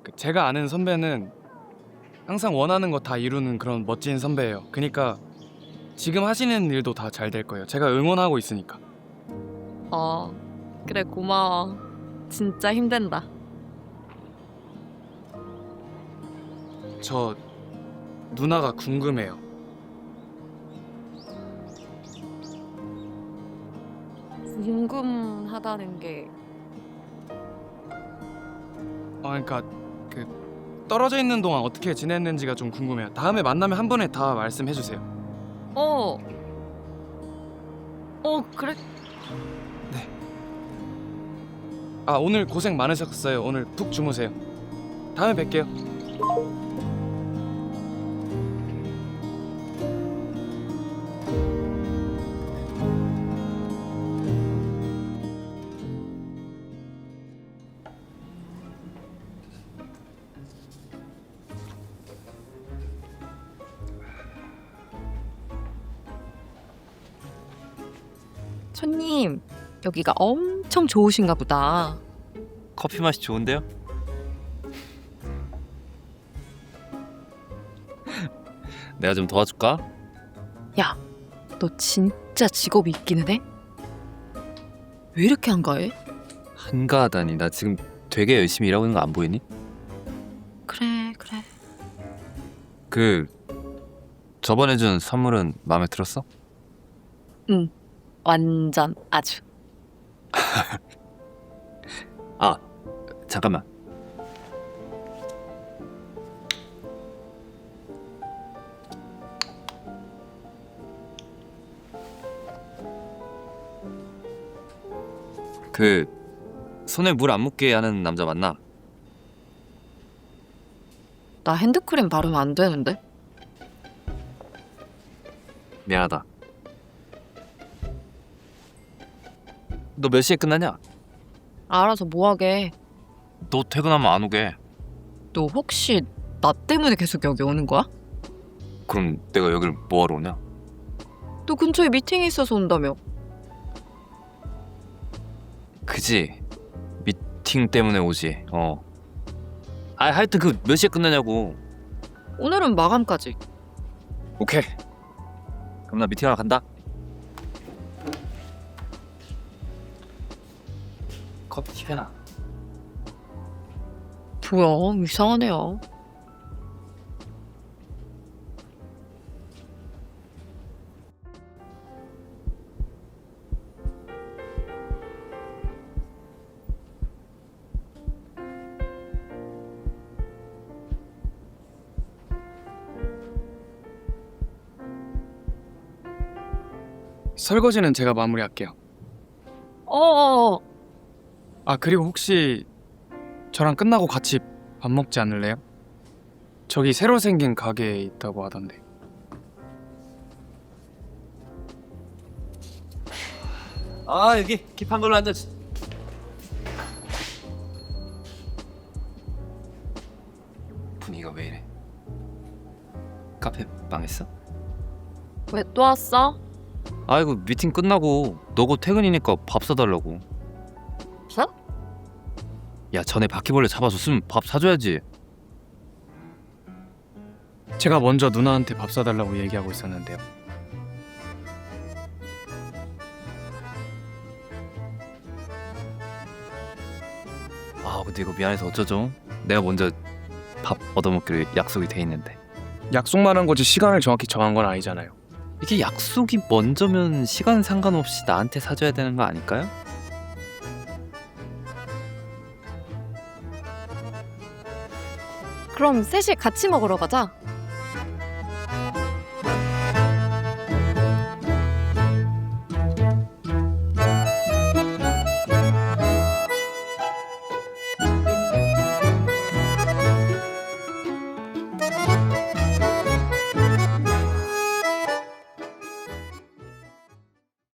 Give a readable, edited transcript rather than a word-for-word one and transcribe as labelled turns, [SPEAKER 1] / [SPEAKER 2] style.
[SPEAKER 1] 제가 아는 선배는 항상 원하는 거 다 이루는 그런 멋진 선배예요. 그러니까 지금 하시는 일도 다 잘 될 거예요. 제가 응원하고 있으니까.
[SPEAKER 2] 그래 고마워. 진짜 힘든다.
[SPEAKER 1] 저 누나가 궁금해요.
[SPEAKER 2] 궁금하다는 게
[SPEAKER 1] 그러니까 그 떨어져 있는 동안 어떻게 지냈는지가 좀 궁금해요. 다음에 만나면 한 번에 다 말씀해 주세요.
[SPEAKER 2] 그래?
[SPEAKER 1] 오늘 고생 많으셨어요. 오늘 푹 주무세요. 다음에 뵐게요.
[SPEAKER 2] 손님, 여기가 엄청 좋으신가 보다.
[SPEAKER 3] 커피 맛이 좋은데요? 내가 좀 도와줄까?
[SPEAKER 2] 야, 너 진짜 직업이 있기는 해? 왜 이렇게 한가해?
[SPEAKER 3] 한가하다니. 나 지금 되게 열심히 일하고 있는 거 안 보이니?
[SPEAKER 2] 그래.
[SPEAKER 3] 그 저번에 준 선물은 마음에 들었어?
[SPEAKER 2] 응, 완전 아주.
[SPEAKER 3] 잠깐만. 그 손에 물 안 묻게 하는 남자 맞나?
[SPEAKER 2] 나 핸드크림 바르면 안 되는데?
[SPEAKER 3] 미안하다. 너 몇 시에 끝나냐?
[SPEAKER 2] 알아서 뭐하게.
[SPEAKER 3] 너 퇴근하면 안 오게.
[SPEAKER 2] 너 혹시 나 때문에 계속 여기 오는 거야?
[SPEAKER 3] 그럼 내가 여기를 뭐하러 오냐?
[SPEAKER 2] 너 근처에 미팅이 있어서 온다며.
[SPEAKER 3] 그지? 미팅 때문에 오지. 하여튼 그 몇 시에 끝나냐고.
[SPEAKER 2] 오늘은 마감까지.
[SPEAKER 3] 오케이. 그럼 나 미팅하러 간다. 커피 튀겨놔.
[SPEAKER 2] 뭐야, 이상하네요.
[SPEAKER 1] 설거지는 제가 마무리할게요. 그리고 혹시 저랑 끝나고 같이 밥 먹지 않을래요? 저기 새로 생긴 가게에 있다고 하던데.
[SPEAKER 3] 여기 킵한 걸로 앉아. 분위기가 왜 이래? 카페 망했어?
[SPEAKER 2] 왜 또 왔어?
[SPEAKER 3] 아이고 미팅 끝나고 너 곧 퇴근이니까 밥 사달라고.
[SPEAKER 2] 사?
[SPEAKER 3] 야 전에 바퀴벌레 잡아줬으면 밥 사줘야지.
[SPEAKER 1] 제가 먼저 누나한테 밥 사달라고 얘기하고 있었는데요.
[SPEAKER 3] 근데 이거 미안해서 어쩌죠? 내가 먼저 밥 얻어먹기로 약속이 돼 있는데.
[SPEAKER 1] 약속만 한 거지 시간을 정확히 정한 건 아니잖아요.
[SPEAKER 3] 이게 약속이 먼저면 시간 상관없이 나한테 사줘야 되는 거 아닐까요?
[SPEAKER 2] 그럼 셋이 같이 먹으러 가자.